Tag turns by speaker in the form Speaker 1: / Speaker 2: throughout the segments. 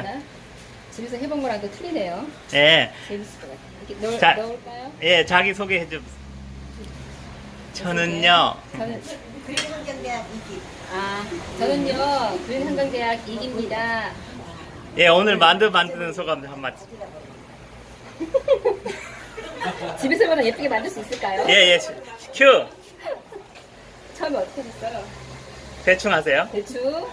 Speaker 1: 같다. 집에서 해본 거랑 또 틀리네요.
Speaker 2: 예.
Speaker 1: 재밌을 것 같아. 이렇게 넣을까요?
Speaker 2: 예, 자기 소개해 좀. 저는요.
Speaker 1: 저는
Speaker 3: 그린환경대학 이기.
Speaker 1: 저는요 그린한강대학 이기입니다.
Speaker 2: 예, 오늘 만두 만드는 소감 한 마디.
Speaker 1: 집에서보다 예쁘게 만들 수 있을까요?
Speaker 2: 예, 예. 큐.
Speaker 1: 처음에 어떻게 했어요?
Speaker 2: 대충 하세요.
Speaker 1: 대충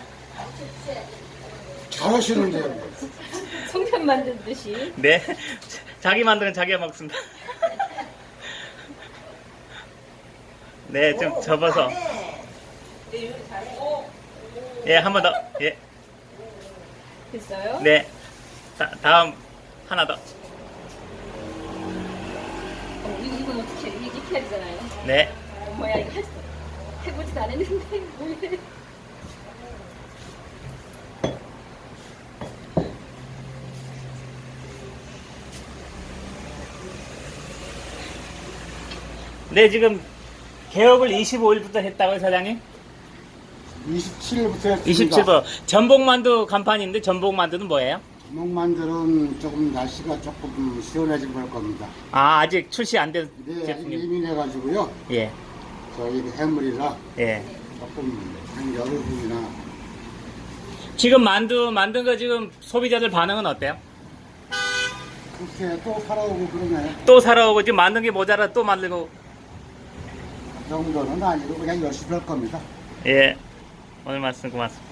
Speaker 4: 잘하시는데요.
Speaker 1: 송편 만들듯이.
Speaker 2: 네. 자기 만드는 자기가 먹습니다. 네, 좀 접어서. 예, 한 번 더. 예.
Speaker 1: 됐어요?
Speaker 2: 네. 다음 하나 더.
Speaker 1: 이건 어떻게 이게 해야 되잖아요.
Speaker 2: 네.
Speaker 1: 뭐야 이거 해보지도 않았는데 뭐해.
Speaker 2: 네, 지금 개업을 25일부터 했다고요, 사장님?
Speaker 4: 27일부터 했습니다.
Speaker 2: 27일. 전복만두 간판인데 전복만두는 뭐예요?
Speaker 4: 목만들은 조금 날씨가 조금 시원해진 걸 겁니다.
Speaker 2: 아, 아직 출시 안 된
Speaker 4: 네, 아직
Speaker 2: 제품이.
Speaker 4: 예민해가지고요.
Speaker 2: 예.
Speaker 4: 저희 해물이라
Speaker 2: 예.
Speaker 4: 조금 한 열흘이나
Speaker 2: 지금 만두 만든 거 지금 소비자들 반응은 어때요?
Speaker 4: 그렇게 또 살아오고 그러네요.
Speaker 2: 또 사러 오고 지금 만든 게 모자라 또 만들고.
Speaker 4: 그 정도는 아니고 그냥 열심히 할 겁니다.
Speaker 2: 예. 오늘 말씀 고맙습니다.